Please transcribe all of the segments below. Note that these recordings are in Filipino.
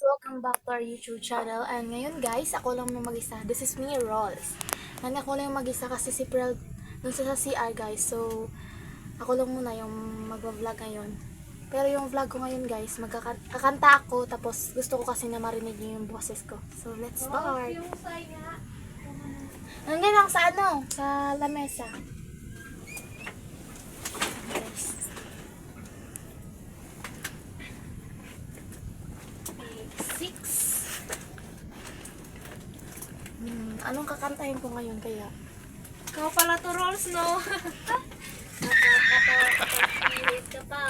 Welcome back to our YouTube channel. And ngayon guys, ako lang yung mag-isa. This is me, Rolls. And ako lang yung mag-isa kasi si Pearl dun sa CR guys. So, ako lang muna yung mag-vlog ngayon. Pero yung vlog ko ngayon guys, magkakanta ako. Tapos gusto ko kasi na marinig niyo yung boses ko. So, let's start. Nandiyan lang sa sa lamesa. Yes. Six. Anong kakantahin ko ngayon kaya? Ikaw pala to, Rolls, no? Nakakatawa ka pa.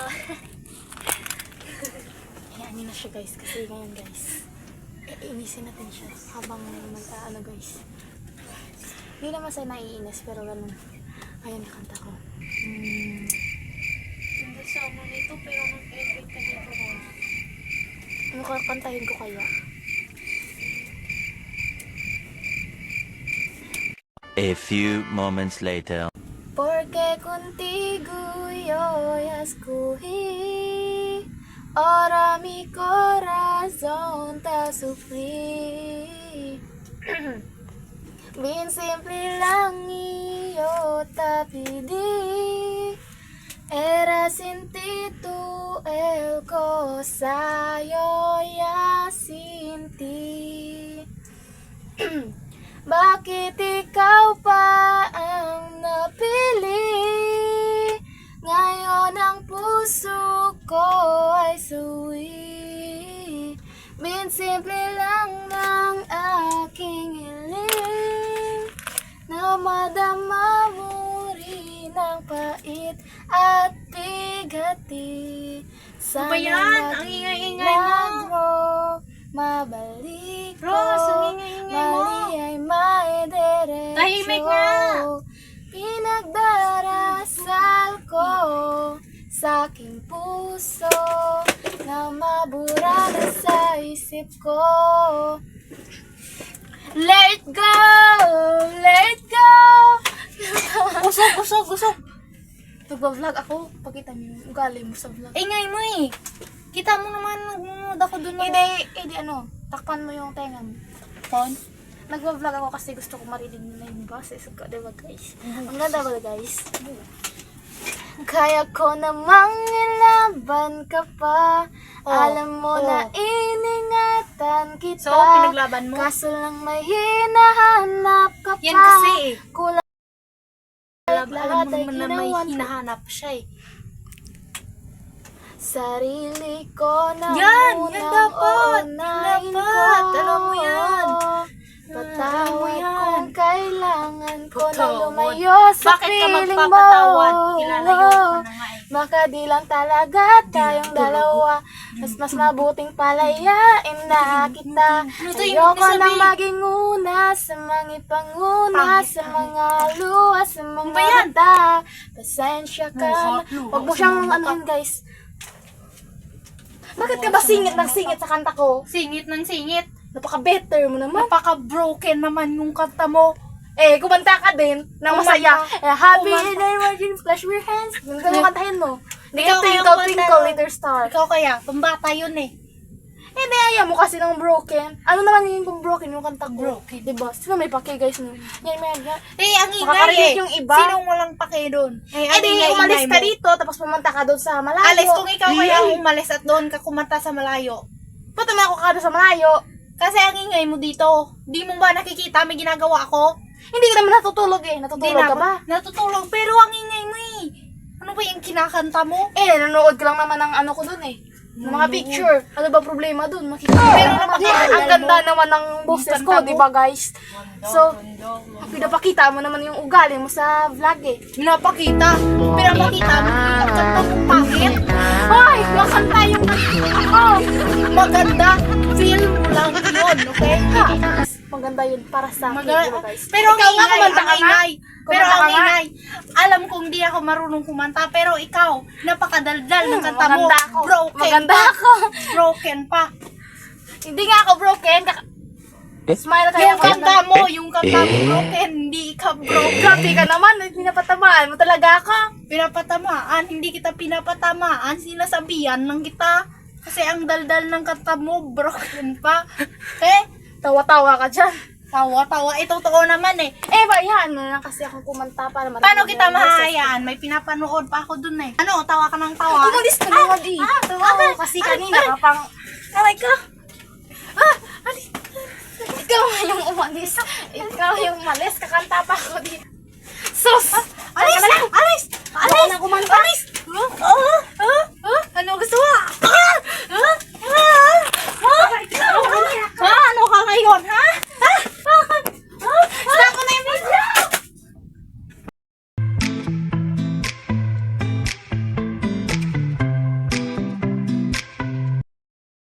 Hayaan nyo na siya guys, kasi ngayon guys, iinisin natin siya habang mag-ano guys. Hindi naman sa naiinis, pero ganun. Ayun, nakanta ko. Hindi sama nito, pero nag-edit ka dito, Rolls. Ano kakantahin ko kaya? A few moments later. Porque contigo yo ya escogí, ahora mi corazón te sufrí. Bien simple lang y yo te pedí, era sin ti tú el cosa, yo ya sin ti. Bakit ikaw pa ang napili? Ngayon ang puso ko ay suwi. Bin simple lang ng aking hiling, na madama mo rin ang pait at bigati. Ano ba yan? Ang ingay-ingay mo. milagro mabalik ko. Rose, ang ingay-ingay mo. Mali ay may derecho. Tahimik nga. Pinagdarasal ko sa aking puso, na mabura na sa isip ko. Let it go! Let it go! Usok. Nagbablog ako. Pakita niyo yung ugali mo sa vlog. Ingay mo eh. Kita mo naman, nagmumod ako dun. Edi ano, takpan mo yung tenga mo. Phone? Nagbablog ako kasi gusto ko marinig nila yung boses ko, diba guys? Ang ganda ba guys? Kaya ko namang nilaban ka pa. Alam mo na iningatan kita. So, pinaglaban mo? Kaso lang may hinahanap ka pa. Yan kasi eh. Kulang Alam lahat mo ay naman na may ginawan ko. hinahanap siya eh. Sarili ko na Yan! munang Yan dapat! uunahin Dapat! ko. Alam mo yan! Patawad yan. kung kailangan ko na Patawad. lumayo sa Bakit ka piling mo. magpapatawad? Kilalayo ko na nga eh. Baka di lang talaga tayong dalawa. Mas mabuting palayain na kita. Ano to, Ayoko ibig nang sabihin? maging una sa mga ipanguna, Pangit sa ka. mga luha, sa mga ba yan? mata. Pasensya ka na. Luha Huwag mo sa siyang mga mata. anuhin guys. Bakit ka ba singit ng singit sa kanta ko? Singit ng singit. Napaka-better mo naman. Napaka-broken naman yung kanta mo. Kumanta ka din ng masaya. Kumanta. Happy Kumanta. in the emerging flash your hands. Ganun mo kantahin mo. Hindi Ikaw ka kaya twinkle, kumanta twinkle, nun. little star. Ikaw kaya, pambata yun eh. Hindi, ayaw mo kasi ng broken. Ano naman yung kung broken yung kanta ko? Broken. Diba? Sino may pake guys nun? Yan, Ang ingay Makakarinig eh. yung iba. Sinong walang pake doon? Ang di ingay-ingay umalis ka mo. dito, tapos pumunta ka doon sa malayo. Alis kung ikaw kaya umalis at doon ka kumanta sa malayo. Punta mo ako ka doon sa malayo. Kasi ang ingay mo dito. Di mo ba nakikita may ginagawa ako? Hindi ka naman natutulog eh. Di Natutulog ka ba? Natutulog. Pero ang ingay mo eh. Ano ba yung kinakanta mo? Nanonood ka lang naman ng ano ko doon eh. Ng mga picture. Ano ba problema doon? Makikita Pero naman. napakaganda Ang ganda mo. naman ng boses Ang ko, ganda di mo. ba guys? So, pinapakita mo naman yung ugali mo sa vlog eh. Pinapakita. Pinapakita mo yung kanta mong pangit. Hoy! Makanta yung ako! Maganda. Feel mo lang yun, okay? Maganda yun para sa akin, Maganda. di ba guys? Pero ang Ikaw nga, ingay, kumanta ang ka nga. ingay. Pero Kumanta ang ka nga. ingay. Alam kong di ako marunong kumanta, pero ikaw, napakadaldal ng kanta mo. Maganda ako. Broken Maganda pa. ako. Broken pa. Hindi nga ako broken. Smile tayo. Yung kanta mo, broken, hindi ka broken. Grabe ka naman. Pinapatamaan mo talaga ako. Pinapatamaan, hindi kita pinapatamaan, sinasabihan lang kita. Kasi ang daldal ng kanta mo, broken pa. Tawa-tawa ka dyan. Tawa-tawa. Totoo naman eh. Bayaan mo na lang kasi akong kumanta para marinig Paano mo kita yung boses ko. mahahayaan? May pinapanood pa ako dun eh. Ano, tawa ka ng tawa? Umalis ka na, Wadi. Oo, kasi kanina ka pang... Aray ka. Ikaw nga yung umalis. Ikaw yung umalis. Kakanta pa ako dito.